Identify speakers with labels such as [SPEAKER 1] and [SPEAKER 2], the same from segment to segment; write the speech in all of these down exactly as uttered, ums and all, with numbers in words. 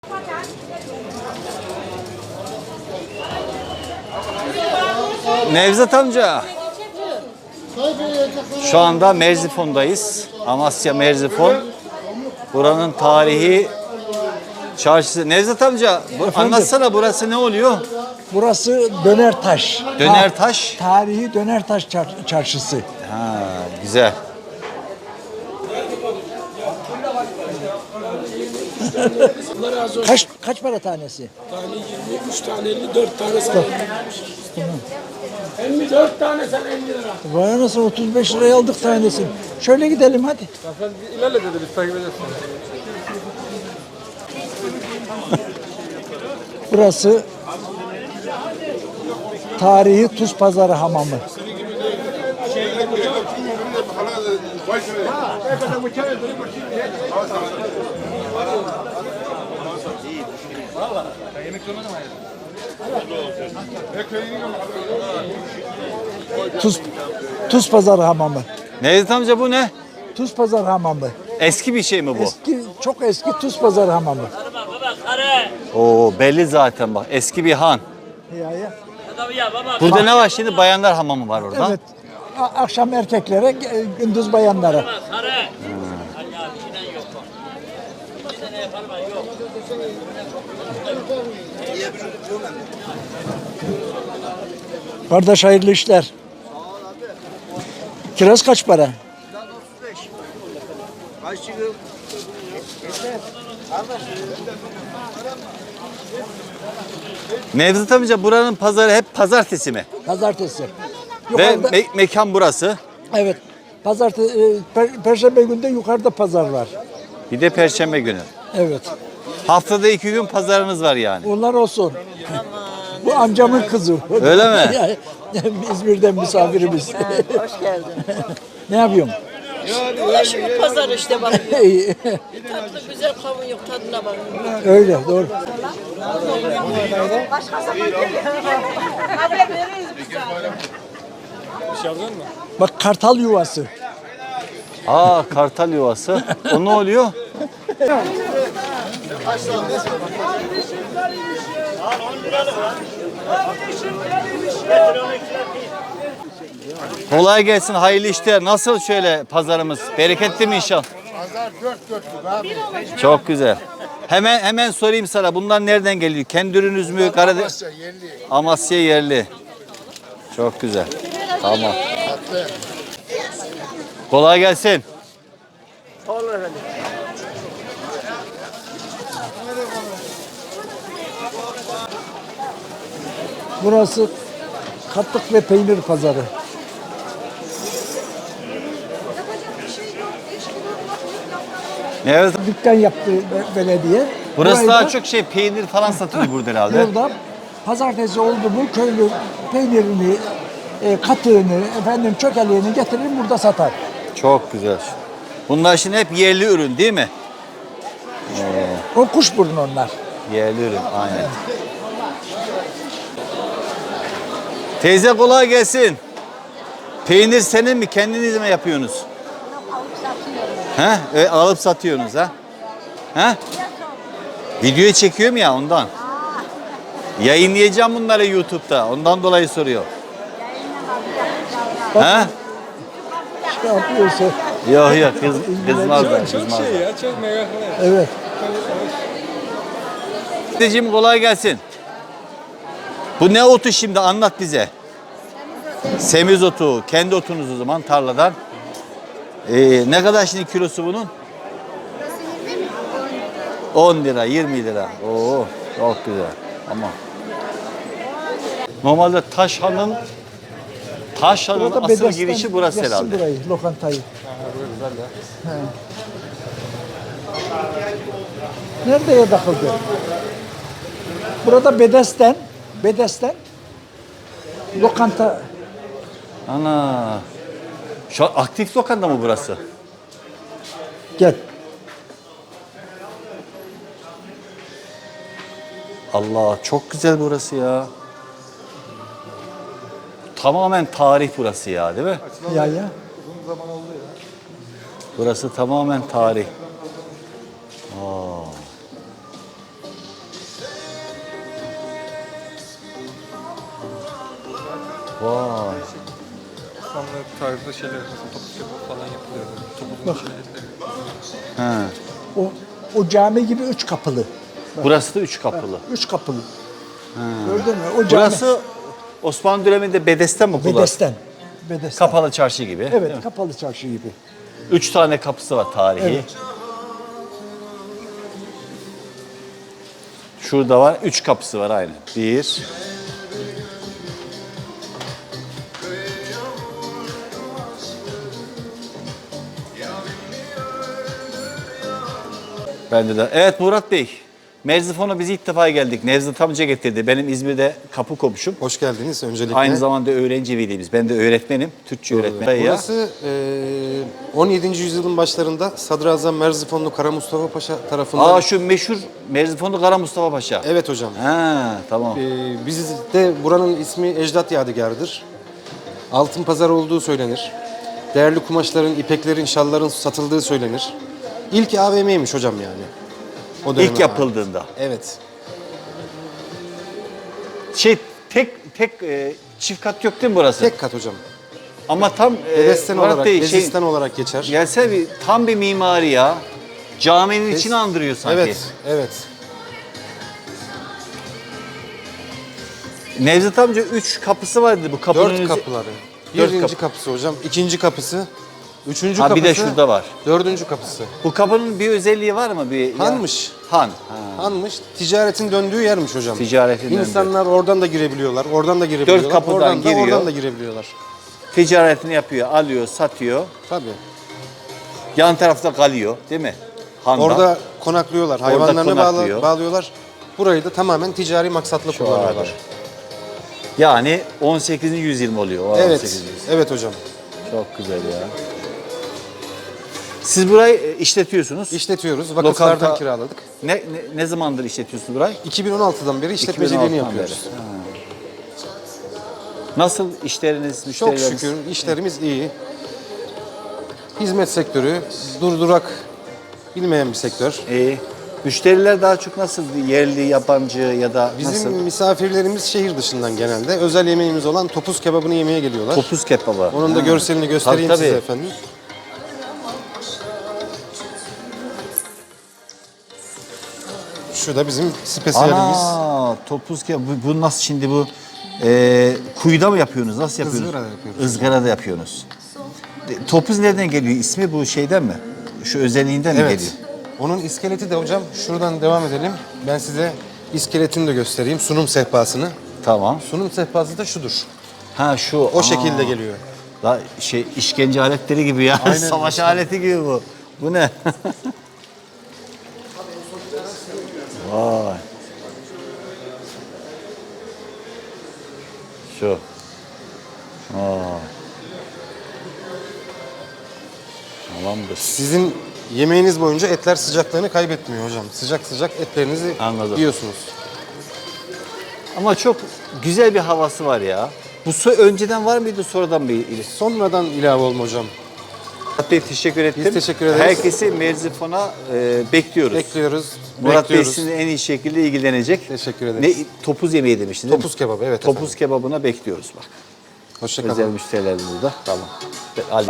[SPEAKER 1] Nevzat amca. Şu anda Merzifon'dayız. Amasya Merzifon. Buranın tarihi çarşısı. Nevzat amca bu, anlatsana burası ne oluyor?
[SPEAKER 2] Burası Dönertaş.
[SPEAKER 1] Dönertaş.
[SPEAKER 2] Ta tarihi Dönertaş çar çarşısı.
[SPEAKER 1] Ha, güzel.
[SPEAKER 2] Kaç kaç para tanesi?
[SPEAKER 3] Tane yirmi üç tane elli dört tane sana elli dört tane sen elli lira.
[SPEAKER 2] Vay anasını otuz beş liraya aldık tanesini. Şöyle gidelim hadi.
[SPEAKER 3] Sen ilerle dedi biz takip ederiz.
[SPEAKER 2] Burası tarihi Tuz Pazarı Hamamı. Tuz Tuz Pazarı Hamamı.
[SPEAKER 1] Nevzat amca bu ne?
[SPEAKER 2] Tuz Pazarı Hamamı.
[SPEAKER 1] Eski bir şey mi bu?
[SPEAKER 2] Eski, çok eski Tuz Pazarı Hamamı.
[SPEAKER 1] Oo, belli zaten bak. Eski bir han.
[SPEAKER 2] Ya ya.
[SPEAKER 1] Burada ne var şimdi? Bayanlar hamamı var orada.
[SPEAKER 2] Evet. A- akşam erkeklere, e, gündüz bayanlara. Kardeş hayırlı işler. Kiraz kaç para?
[SPEAKER 1] Nevzat amca buranın pazarı hep pazartesi mi?
[SPEAKER 2] Pazartesi.
[SPEAKER 1] Ve
[SPEAKER 2] Yukarıda,
[SPEAKER 1] me- mekan burası.
[SPEAKER 2] evet. Pazartesi, e, per- Perşembe günde yukarıda pazar var.
[SPEAKER 1] Bir de perşembe günü.
[SPEAKER 2] Evet.
[SPEAKER 1] Haftada iki gün pazarınız var yani.
[SPEAKER 2] Onlar olsun. Bu amcamın kızı.
[SPEAKER 1] Öyle mi?
[SPEAKER 2] Yani İzmir'den misafirimiz.
[SPEAKER 4] Hoş geldin.
[SPEAKER 2] Ne yapıyorsun?
[SPEAKER 4] Ulaşımı pazar işte bak.
[SPEAKER 2] İyi.
[SPEAKER 4] Tatlı güzel kavun yok tadına bak.
[SPEAKER 2] Öyle doğru.
[SPEAKER 4] Başka zaman geliyor. Haber veririz biz.
[SPEAKER 2] Bak kartal yuvası.
[SPEAKER 1] Aa, kartal yuvası. O ne oluyor? Kolay gelsin, hayırlı işler. Nasıl şöyle pazarımız? Bereketli mi inşallah?
[SPEAKER 5] Pazar dört dörtlük abi.
[SPEAKER 1] Çok güzel. Hemen hemen sorayım sana. Bunlar nereden geliyor? Kendi ürününüz mü? Karadeniz.
[SPEAKER 5] Amasya yerli.
[SPEAKER 1] Amasya yerli. Çok güzel. Tamam.
[SPEAKER 5] Tatlı.
[SPEAKER 1] Kolay gelsin.
[SPEAKER 2] Burası katlık ve peynir pazarı.
[SPEAKER 1] Evet.
[SPEAKER 2] Dükkan yaptı be- belediye.
[SPEAKER 1] Burası
[SPEAKER 2] Burayı
[SPEAKER 1] daha
[SPEAKER 2] da-
[SPEAKER 1] çok şey peynir falan satılıyor burada herhalde.
[SPEAKER 2] Burada pazartesi oldu mu köylü peynirini, e, katığını, efendim çökeleğini getirir burada satar.
[SPEAKER 1] Çok güzel. Bunlar şimdi hep yerli ürün değil mi?
[SPEAKER 2] O kuşburnu onlar.
[SPEAKER 1] Yerli ürün aynen. Teyze kolay gelsin. Peynir senin mi? Kendiniz mi yapıyorsunuz? He? E, alıp satıyorsunuz ha? He? Videoyu çekiyorum ya ondan. Yayınlayacağım bunları YouTube'da. Ondan dolayı soruyor. He?
[SPEAKER 2] Ne yapıyorsa.
[SPEAKER 1] Yok yok kız, kızmazlar.
[SPEAKER 3] Çok
[SPEAKER 1] kızmazlar.
[SPEAKER 3] şey ya çok mega.
[SPEAKER 2] Evet.
[SPEAKER 1] Teyzeciğim kolay gelsin. Bu ne otu şimdi anlat bize. Semiz otu. Kendi otunuz o zaman tarladan. Ee, ne kadar şimdi kilosu bunun? on lira, yirmi lira. Oo, çok güzel. Ama normalde Taşhan'ın Taşhan'ın
[SPEAKER 2] Burada
[SPEAKER 1] asıl
[SPEAKER 2] Bedesten
[SPEAKER 1] girişi burası
[SPEAKER 2] yazsın
[SPEAKER 1] herhalde.
[SPEAKER 2] Burayı, lokantayı. He. Nereye takıldı? Burada Bedesten, Bedesten lokanta.
[SPEAKER 1] Ana. Şu an aktif lokanta mı burası?
[SPEAKER 2] Gel.
[SPEAKER 1] Allah çok güzel burası ya. Tamamen tarih burası ya değil mi?
[SPEAKER 2] Ya ya.
[SPEAKER 1] Burası tamamen tarih. Aa. Vay.
[SPEAKER 3] Osmanlı tarzı şeyler, topuz kebabı falan yapılıyor. Topuzun içine etleri.
[SPEAKER 1] Ha.
[SPEAKER 2] O, o cami gibi üç kapılı.
[SPEAKER 1] Burası da üç kapılı.
[SPEAKER 2] Üç kapılı. Gördün mü? O cami.
[SPEAKER 1] Burası Osmanlı döneminde Bedesten mi kullanıldı?
[SPEAKER 2] Bedesten. Bedesten.
[SPEAKER 1] Kapalı çarşı gibi. değil
[SPEAKER 2] Evet,
[SPEAKER 1] mi?
[SPEAKER 2] kapalı çarşı gibi.
[SPEAKER 1] Üç tane kapısı var tarihi.
[SPEAKER 2] Evet.
[SPEAKER 1] Şurada var. Üç kapısı var aynı. Bir. Bende de. Evet Murat Bey. Merzifon'a biz ilk defa geldik. Nevzat amca getirdi. Benim İzmir'de kapı komşum.
[SPEAKER 6] Hoş geldiniz öncelikle.
[SPEAKER 1] Aynı zamanda öğrenci velimiz. Ben de öğretmenim. Türkçe öğretmenim.
[SPEAKER 6] Burası eee, on yedinci yüzyılın başlarında Sadrazam Merzifonlu Kara Mustafa Paşa tarafından...
[SPEAKER 1] Aa şu meşhur Merzifonlu Kara Mustafa Paşa.
[SPEAKER 6] Evet hocam.
[SPEAKER 1] Ha tamam.
[SPEAKER 6] Eee bizde buranın ismi Ecdat Yadigarı'dır. Altın pazar olduğu söylenir. Değerli kumaşların, ipeklerin, şalların satıldığı söylenir. İlk A V M'ymiş hocam yani. O döneme
[SPEAKER 1] İlk yapıldığında.
[SPEAKER 6] ait. Evet.
[SPEAKER 1] Şey tek tek e, çift kat yok değil mi burası?
[SPEAKER 6] Tek kat hocam.
[SPEAKER 1] Ama tam e,
[SPEAKER 6] Bedesten
[SPEAKER 1] Murat
[SPEAKER 6] olarak,
[SPEAKER 1] Bey, şey,
[SPEAKER 6] bezisten olarak geçer.
[SPEAKER 1] gelse bir tam bir mimari ya. Caminin içini andırıyor sanki.
[SPEAKER 6] Evet, evet.
[SPEAKER 1] Nevzat amca üç kapısı vardı bu kapının.
[SPEAKER 6] Dört
[SPEAKER 1] önü-
[SPEAKER 6] kapıları.
[SPEAKER 1] Dört
[SPEAKER 6] Birinci
[SPEAKER 1] kapı.
[SPEAKER 6] kapısı hocam, ikinci kapısı, üçüncü
[SPEAKER 1] Ha, bir
[SPEAKER 6] kapısı.
[SPEAKER 1] de şurada var.
[SPEAKER 6] Dördüncü kapısı.
[SPEAKER 1] Bu kapının bir özelliği var mı? Bir,
[SPEAKER 6] Hanmış.
[SPEAKER 1] Ya, han. Ha.
[SPEAKER 6] Hanmış, ticaretin döndüğü yermiş hocam.
[SPEAKER 1] Ticaretin döndüğü.
[SPEAKER 6] İnsanlar oradan da girebiliyorlar, oradan da girebiliyorlar.
[SPEAKER 1] kapıdan
[SPEAKER 6] oradan da,
[SPEAKER 1] giriyor.
[SPEAKER 6] oradan da girebiliyorlar.
[SPEAKER 1] Ticaretini yapıyor, alıyor, satıyor.
[SPEAKER 6] Tabii.
[SPEAKER 1] Yan tarafta kalıyor değil mi? Handa.
[SPEAKER 6] Orada konaklıyorlar, hayvanlarını bağla-
[SPEAKER 1] konaklıyor.
[SPEAKER 6] bağlıyorlar. Burayı da tamamen ticari maksatla kullanıyorlar.
[SPEAKER 1] abi. Yani on sekizinci yüzyıl mı oluyor? O on
[SPEAKER 6] Evet,
[SPEAKER 1] sekizinci yüzyıl.
[SPEAKER 6] evet hocam.
[SPEAKER 1] Çok güzel ya. Siz burayı e, işletiyorsunuz.
[SPEAKER 6] İşletiyoruz, vakıflardan
[SPEAKER 1] Lokanta-
[SPEAKER 6] kiraladık.
[SPEAKER 1] Ne, ne, ne zamandır işletiyorsunuz burayı?
[SPEAKER 6] iki bin on altıdan beri işletmeciliğini
[SPEAKER 1] iki bin on altıdan
[SPEAKER 6] yapıyoruz.
[SPEAKER 1] beri. Ha. Nasıl işleriniz,
[SPEAKER 6] Çok
[SPEAKER 1] müşterileriniz?
[SPEAKER 6] şükür işlerimiz iyi. Hizmet sektörü durdurak bilmeyen bir sektör.
[SPEAKER 1] İyi. Müşteriler daha çok nasıl? Yerli, yabancı ya da
[SPEAKER 6] Bizim
[SPEAKER 1] nasıl?
[SPEAKER 6] misafirlerimiz şehir dışından genelde. Özel yemeğimiz olan topuz kebabını yemeye geliyorlar.
[SPEAKER 1] Topuz kebabı.
[SPEAKER 6] Onun da
[SPEAKER 1] Ha.
[SPEAKER 6] görselini göstereyim
[SPEAKER 1] Tabii,
[SPEAKER 6] size
[SPEAKER 1] tabii.
[SPEAKER 6] efendim. Şu da bizim spesiyelimiz.
[SPEAKER 1] Ana, topuz kebabı. Bu, bu nasıl şimdi bu? E, kuyuda mı yapıyorsunuz? Nasıl yapıyorsunuz?
[SPEAKER 6] Izgarada yapıyoruz.
[SPEAKER 1] Izgarada yapıyorsunuz. E, Topuz nereden geliyor? İsmi bu şeyden mi? Şu özelliğinden mi
[SPEAKER 6] Evet.
[SPEAKER 1] geliyor?
[SPEAKER 6] Onun iskeleti de hocam şuradan devam edelim. Ben size iskeletini de göstereyim. Sunum sehpasını.
[SPEAKER 1] Tamam.
[SPEAKER 6] Sunum sehpası da şudur.
[SPEAKER 1] Ha şu.
[SPEAKER 6] O şekilde geliyor.
[SPEAKER 1] La şey işkence aletleri gibi ya.
[SPEAKER 6] Aynen.
[SPEAKER 1] Savaş aleti gibi bu. Bu ne? Vay. Şu. Vay. Tamamdır.
[SPEAKER 6] Sizin yemeğiniz boyunca etler sıcaklığını kaybetmiyor hocam. Sıcak sıcak etlerinizi
[SPEAKER 1] Anladım.
[SPEAKER 6] yiyorsunuz.
[SPEAKER 1] Ama çok güzel bir havası var ya. Bu su önceden var mıydı sonradan mı?
[SPEAKER 6] Sonradan ilave olma hocam.
[SPEAKER 1] Murat Bey teşekkür ettim.
[SPEAKER 6] Biz teşekkür ederiz.
[SPEAKER 1] Herkesi Merzifon'a e, bekliyoruz.
[SPEAKER 6] Bekliyoruz.
[SPEAKER 1] Murat Bey
[SPEAKER 6] bekliyoruz.
[SPEAKER 1] sizinle en iyi şekilde ilgilenecek.
[SPEAKER 6] Teşekkür ederiz.
[SPEAKER 1] Ne, topuz yemeği demiştin değil mi?
[SPEAKER 6] Topuz kebabı, evet
[SPEAKER 1] Topuz
[SPEAKER 6] efendim.
[SPEAKER 1] kebabına bekliyoruz bak.
[SPEAKER 6] Hoşça kalın.
[SPEAKER 1] Özel müşteriler burada. Tamam. Hadi.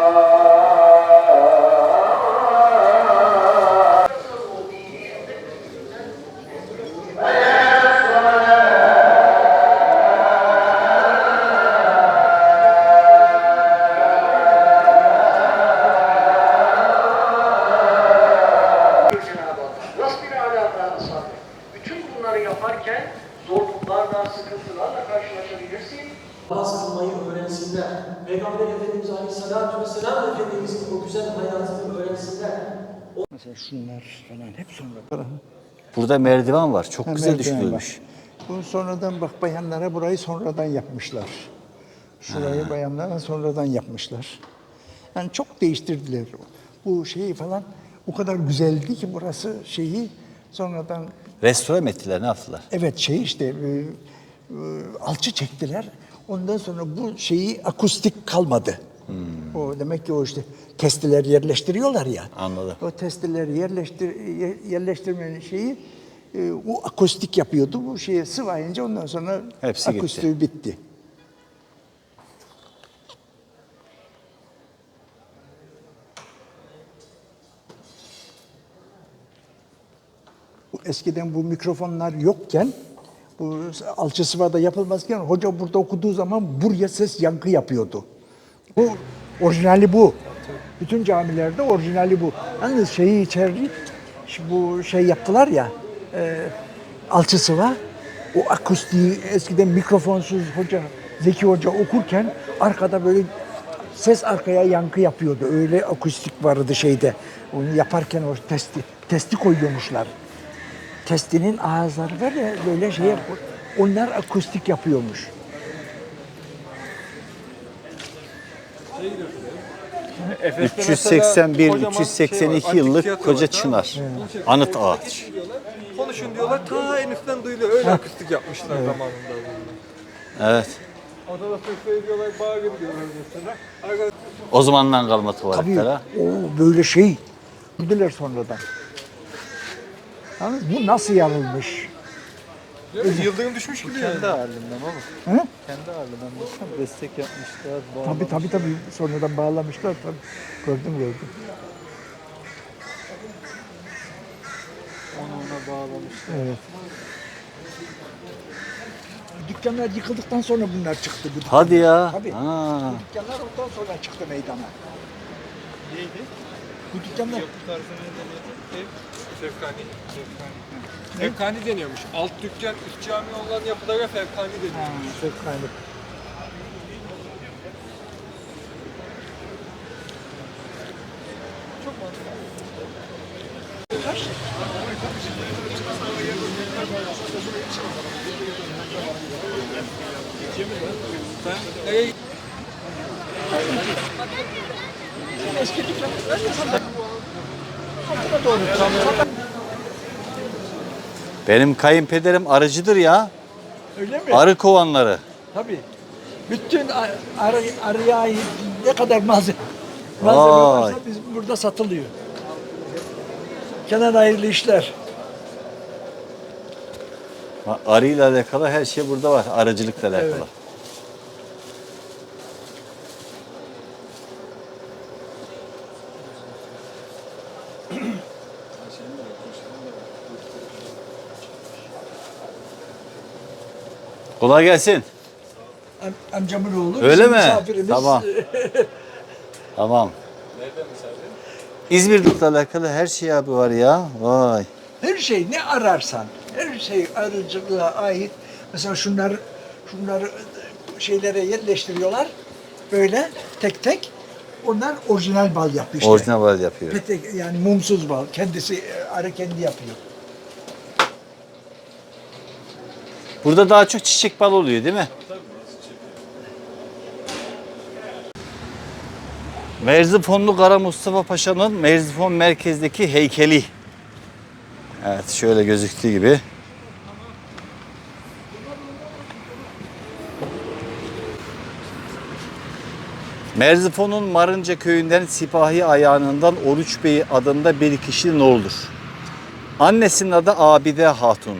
[SPEAKER 7] Cenab-ı Allah. Rabbine alâ sabır. Bütün bunları yaparken zorluklarla, sıkıntılarla karşılaşabilirsin.
[SPEAKER 8] Namaz kılmayı öğrensinler. Peygamber Efendimiz Aleyhisselatü Vesselam Efendimiz'in o güzel hayatını öğrensinler.
[SPEAKER 2] Mesela şunlar falan hep sonra.
[SPEAKER 1] Burada merdiven var. Çok
[SPEAKER 2] Ha,
[SPEAKER 1] güzel
[SPEAKER 2] merdiven
[SPEAKER 1] düşünülmüş.
[SPEAKER 2] var. Bu sonradan bak bayanlara burayı sonradan yapmışlar. Şurayı bayanlara sonradan yapmışlar. Yani çok değiştirdiler. Bu şeyi falan o kadar güzeldi ki burası şeyi sonradan
[SPEAKER 1] Restore mi ettiler? Ne yaptılar?
[SPEAKER 2] evet şey işte e, e, alçı çektiler. Ondan sonra bu şeyi akustik kalmadı. O demek ki o işte testiler yerleştiriyorlar ya.
[SPEAKER 1] Anladım.
[SPEAKER 2] O testileri yerleştir yer- yerleştirmenin şeyi e, o akustik yapıyordu. Bu şeye sıvayınca ondan sonra
[SPEAKER 1] Hepsi gitti.
[SPEAKER 2] akustiği bitti. eskiden bu mikrofonlar yokken, bu alçı sıvada yapılmazken hoca burada okuduğu zaman buraya ses yankı yapıyordu. Bu orijinali bu. Bütün camilerde orijinali bu. Yalnız şeyi içeri, bu şey yaptılar ya, e, alçı sıva, o akustiği eskiden mikrofonsuz hoca, Zeki Hoca okurken arkada böyle ses arkaya yankı yapıyordu. Öyle akustik vardı şeyde. Onu yaparken o testi, testi koyuyormuşlar. Testinin ağızları var ya böyle şey yap, onlar akustik yapıyormuş.
[SPEAKER 1] üç yüz seksen bir üç yüz seksen iki yıllık koca çınar. Anıt ağaç.
[SPEAKER 3] Konuşun diyorlar, ta en üstten duyuluyor. Öyle akustik yapmışlar zamanında.
[SPEAKER 1] Evet.
[SPEAKER 3] Adada sesle ediyorlar, bağırın diyorlar mesela. Arkadaşlar,
[SPEAKER 1] O zamandan kalma
[SPEAKER 2] Tabii
[SPEAKER 1] tuvaletler ha.
[SPEAKER 2] o böyle şey. Gördüler sonradan. Yalnız bu nasıl yarılmış?
[SPEAKER 3] yıldırım düşmüş gibi yani.
[SPEAKER 9] Kendi halinden baba.
[SPEAKER 2] He?
[SPEAKER 9] Kendi halinden baksana destek yapmışlar.
[SPEAKER 2] Tabii tabii tabii sonradan bağlamışlar tabii. Gördüm gördüm.
[SPEAKER 9] Onu ona bağlamışlar.
[SPEAKER 2] Evet. Dükkanlar yıkıldıktan sonra bunlar çıktı. Bu
[SPEAKER 1] Hadi
[SPEAKER 2] dükkanlar.
[SPEAKER 1] ya.
[SPEAKER 2] Tabii.
[SPEAKER 1] Ha.
[SPEAKER 2] Bu dükkanlar ondan sonra çıktı meydana.
[SPEAKER 3] Neydi?
[SPEAKER 2] Bu dükkanlar
[SPEAKER 3] Bu tarzı neydi? Fevkani. Fevkani. Fevkani deniyormuş. Alt dükkan, üst cami olan yapılara fevkani deniyormuş.
[SPEAKER 2] çok kaynak.
[SPEAKER 3] Ben nereye
[SPEAKER 1] Benim kayınpederim arıcıdır ya.
[SPEAKER 2] Öyle mi?
[SPEAKER 1] Arı kovanları.
[SPEAKER 2] Tabii. Bütün ar- arı, arıya ait ne kadar malzeme, malzeme
[SPEAKER 1] Vay.
[SPEAKER 2] varsa biz burada satılıyor. Kenan hayırlı işler.
[SPEAKER 1] Ha, arıyla alakalı her şey burada var. Arıcılıkla alakalı.
[SPEAKER 2] Evet.
[SPEAKER 1] Kolay gelsin.
[SPEAKER 2] Am- amcamın oğlu.
[SPEAKER 1] Öyle
[SPEAKER 2] bizim
[SPEAKER 1] mi?
[SPEAKER 2] misafirimiz.
[SPEAKER 1] Tamam. Tamam. İzmir'le alakalı her şey abi var ya. Vay.
[SPEAKER 2] Her şey ne ararsan, her şey arıcılığa ait. Mesela şunlar, şunları şeylere yerleştiriyorlar. Böyle tek tek. Onlar orijinal bal yapıyor işte.
[SPEAKER 1] Orijinal bal yapıyor.
[SPEAKER 2] Petek, yani mumsuz bal. Kendisi, arı kendi yapıyor.
[SPEAKER 1] Burada daha çok çiçek bal oluyor değil mi? Merzifonlu Kara Mustafa Paşa'nın Merzifon merkezdeki heykeli. Evet şöyle gözüktüğü gibi. Merzifon'un Marınca köyünden Sipahi Ayağı'ndan Oruç Bey adında bir kişinin oğludur. Annesinin adı Abide Hatun.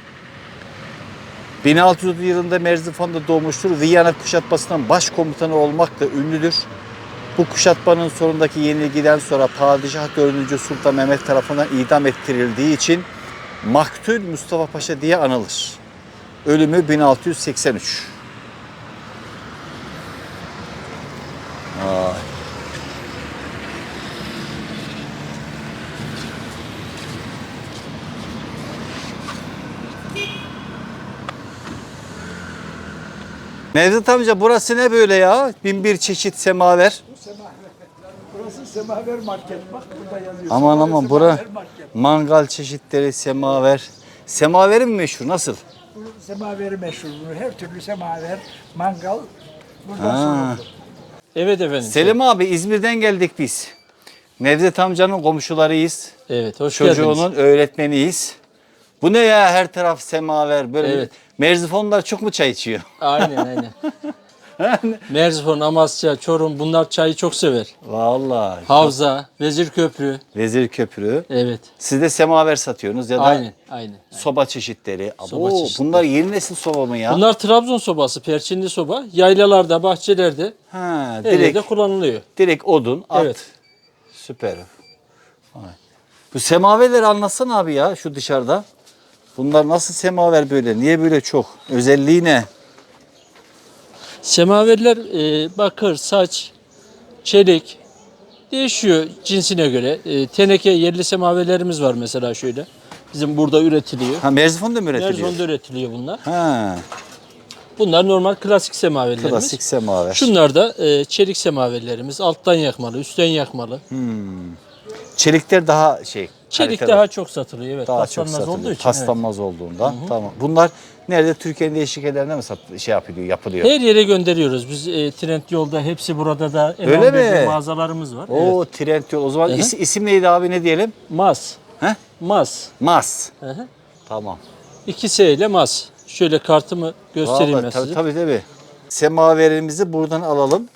[SPEAKER 1] bin altı yüz yılında Merzifon'da doğmuştur. Viyana kuşatmasının başkomutanı olmakla ünlüdür. Bu kuşatmanın sonundaki yenilgiden sonra Padişah dördüncü Sultan Mehmet tarafından idam ettirildiği için Maktül Mustafa Paşa diye anılır. Ölümü bin altı yüz seksen üç. Vay. Nevzat amca burası ne böyle ya? Bin bir çeşit semaver.
[SPEAKER 2] Burası Semaver Market. Bak burada yazıyor.
[SPEAKER 1] Aman
[SPEAKER 2] Semaver
[SPEAKER 1] aman bura
[SPEAKER 2] Market.
[SPEAKER 1] mangal çeşitleri, semaver. Semaveri mi meşhur? Nasıl?
[SPEAKER 2] Bu semaveri meşhur. Her türlü semaver, mangal buradan
[SPEAKER 1] Ha.
[SPEAKER 2] sorulur.
[SPEAKER 8] Evet efendim.
[SPEAKER 1] Selim abi İzmir'den geldik biz. Nevzat amcanın komşularıyız.
[SPEAKER 8] Evet, hoş
[SPEAKER 1] Çocuğunun
[SPEAKER 8] geldiniz.
[SPEAKER 1] öğretmeniyiz. Bu ne ya her taraf semaver böyle.
[SPEAKER 8] Evet.
[SPEAKER 1] Merzifonlar çok mu çay içiyor?
[SPEAKER 8] Aynen aynen. Merzifon, Amasya, Çorum bunlar çayı çok sever.
[SPEAKER 1] Vallahi.
[SPEAKER 8] Havza, Vezirköprü.
[SPEAKER 1] Vezir Köprü.
[SPEAKER 8] Evet.
[SPEAKER 1] Siz de semaver satıyorsunuz ya da
[SPEAKER 8] Aynen, aynen.
[SPEAKER 1] soba çeşitleri.
[SPEAKER 8] Soba
[SPEAKER 1] Abo,
[SPEAKER 8] çeşitleri.
[SPEAKER 1] bunlar yeni nesil soba mı ya?
[SPEAKER 8] Bunlar Trabzon sobası, perçinli soba. Yaylalarda, bahçelerde,
[SPEAKER 1] ha,
[SPEAKER 8] her yerde
[SPEAKER 1] direkt,
[SPEAKER 8] kullanılıyor.
[SPEAKER 1] direkt odun, at.
[SPEAKER 8] Evet.
[SPEAKER 1] Süper. Vay. Bu semaverleri anlatsana abi ya şu dışarıda. Bunlar nasıl semaver böyle? Niye böyle çok? Özelliği ne?
[SPEAKER 10] Semaverler e, bakır, saç, çelik değişiyor cinsine göre. E, teneke yerli semaverlerimiz var mesela şöyle. Bizim burada üretiliyor.
[SPEAKER 1] Ha Merzifon'da mı üretiliyor?
[SPEAKER 10] Merzifon'da üretiliyor bunlar.
[SPEAKER 1] Ha,
[SPEAKER 10] Bunlar normal klasik semaverlerimiz.
[SPEAKER 1] klasik semaver.
[SPEAKER 10] Şunlar da e, çelik semaverlerimiz. Alttan yakmalı, üstten yakmalı.
[SPEAKER 1] Çelikler daha şey.
[SPEAKER 10] Çelik
[SPEAKER 1] kaliteli.
[SPEAKER 10] daha çok satılıyor. Evet,
[SPEAKER 1] daha çok
[SPEAKER 10] paslanmaz
[SPEAKER 1] satılıyor.
[SPEAKER 10] olduğu için.
[SPEAKER 1] Paslanmaz olduğundan. Tamam. Bunlar nerede? Türkiye'nin değişik yerlerinde mi sat şey yapılıyor, yapılıyor?
[SPEAKER 10] Evet. Her yere gönderiyoruz. Biz e, Trendyol'da hepsi burada da
[SPEAKER 1] Öyle
[SPEAKER 10] M on bir'de
[SPEAKER 1] mi?
[SPEAKER 10] mağazalarımız var.
[SPEAKER 1] Oo, Trendyol. O zaman
[SPEAKER 10] Hı hı.
[SPEAKER 1] is- isim neydi abi, ne diyelim?
[SPEAKER 10] Mas.
[SPEAKER 1] He?
[SPEAKER 10] Mas.
[SPEAKER 1] Mas.
[SPEAKER 10] Hı hı.
[SPEAKER 1] Tamam.
[SPEAKER 10] İki S ile mas. Şöyle kartımı göstereyim
[SPEAKER 1] Vallahi
[SPEAKER 10] ben
[SPEAKER 1] tabii,
[SPEAKER 10] size.
[SPEAKER 1] tabii tabii. Semaverimizi buradan alalım.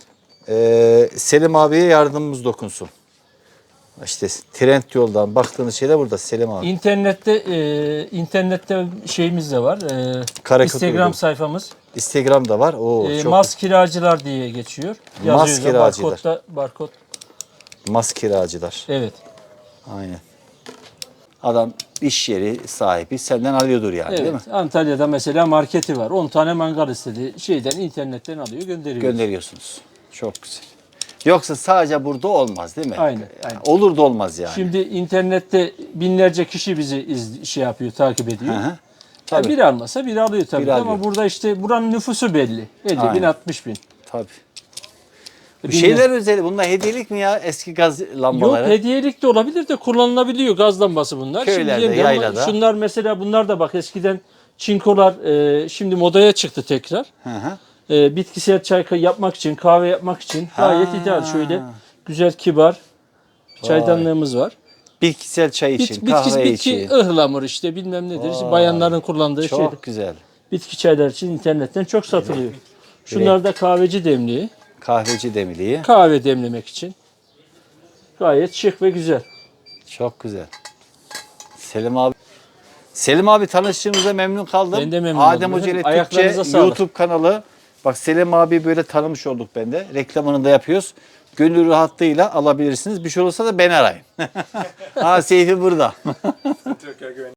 [SPEAKER 1] Ee, Selim abiye yardımımız dokunsun. İşte Trendyol'dan baktığınız şeyler burada Selim abi.
[SPEAKER 10] İnternette e, internette şeyimiz de var. E,
[SPEAKER 1] Karakut
[SPEAKER 10] Instagram
[SPEAKER 1] uygun.
[SPEAKER 10] sayfamız.
[SPEAKER 1] Instagram'da var. Oo,
[SPEAKER 10] E,
[SPEAKER 1] çok
[SPEAKER 10] Mas kiracılar diye geçiyor.
[SPEAKER 1] Mas
[SPEAKER 10] Yazıyor da
[SPEAKER 1] kiracılar.
[SPEAKER 10] barkodda barkod.
[SPEAKER 1] mas kiracılar.
[SPEAKER 10] Evet.
[SPEAKER 1] Aynen. Adam iş yeri sahibi senden alıyordur yani, değil mi?
[SPEAKER 10] Evet. Antalya'da mesela marketi var. on tane mangal istedi. Şeyden internetten alıyor, gönderiyor.
[SPEAKER 1] Gönderiyorsunuz. Çok güzel. Yoksa sadece burada olmaz değil mi?
[SPEAKER 10] Aynen,
[SPEAKER 1] Yani
[SPEAKER 10] aynen.
[SPEAKER 1] olur da olmaz yani.
[SPEAKER 10] Şimdi internette binlerce kişi bizi iz, şey yapıyor, takip ediyor.
[SPEAKER 1] Hı hı.
[SPEAKER 10] Ya
[SPEAKER 1] Tabii.
[SPEAKER 10] biri almasa biri alıyor tabii.
[SPEAKER 1] Biri
[SPEAKER 10] Ama
[SPEAKER 1] alıyor.
[SPEAKER 10] burada işte buranın nüfusu belli. elli bin,
[SPEAKER 1] Aynen.
[SPEAKER 10] altmış bin.
[SPEAKER 1] Tabii. Bir
[SPEAKER 10] Binler-
[SPEAKER 1] şeyler özel. Bunlar hediyelik mi ya? Eski gaz lambaları.
[SPEAKER 10] Yok, hediyelik de olabilir de kullanılabiliyor, gaz lambası bunlar.
[SPEAKER 1] Köylerde,
[SPEAKER 10] Şimdi yeni ama
[SPEAKER 1] yaylada.
[SPEAKER 10] şunlar mesela, bunlar da bak eskiden çinkolar e, şimdi modaya çıktı tekrar.
[SPEAKER 1] Hı hı.
[SPEAKER 10] E, bitkisel çay yapmak için, kahve yapmak için gayet ideal. Şöyle güzel, kibar çaydanlığımız var.
[SPEAKER 1] Bitkisel çay
[SPEAKER 10] Bit,
[SPEAKER 1] için,
[SPEAKER 10] bitki,
[SPEAKER 1] kahve
[SPEAKER 10] bitki
[SPEAKER 1] için.
[SPEAKER 10] ıhlamur işte bilmem nedir. İşte
[SPEAKER 1] Vay.
[SPEAKER 10] bayanların kullandığı
[SPEAKER 1] Çok
[SPEAKER 10] şey.
[SPEAKER 1] güzel.
[SPEAKER 10] Bitki çaylar için internetten çok satılıyor. Şunlar da kahveci demliği.
[SPEAKER 1] Kahveci demliği.
[SPEAKER 10] Kahve demlemek için. Gayet şık ve güzel.
[SPEAKER 1] Çok güzel. Selim abi. Selim abi, tanıştığımıza memnun kaldım.
[SPEAKER 10] Ben de memnun
[SPEAKER 1] Adem
[SPEAKER 10] oldum.
[SPEAKER 1] Hoca ile
[SPEAKER 10] Ayaklarınıza
[SPEAKER 1] Türkçe
[SPEAKER 10] sağlık.
[SPEAKER 1] YouTube kanalı. Bak Selim abi böyle tanımış olduk ben de. Reklamını da yapıyoruz. Gönül rahatlığıyla alabilirsiniz. Bir şey olursa da beni arayın. Ha, Seyfi burada.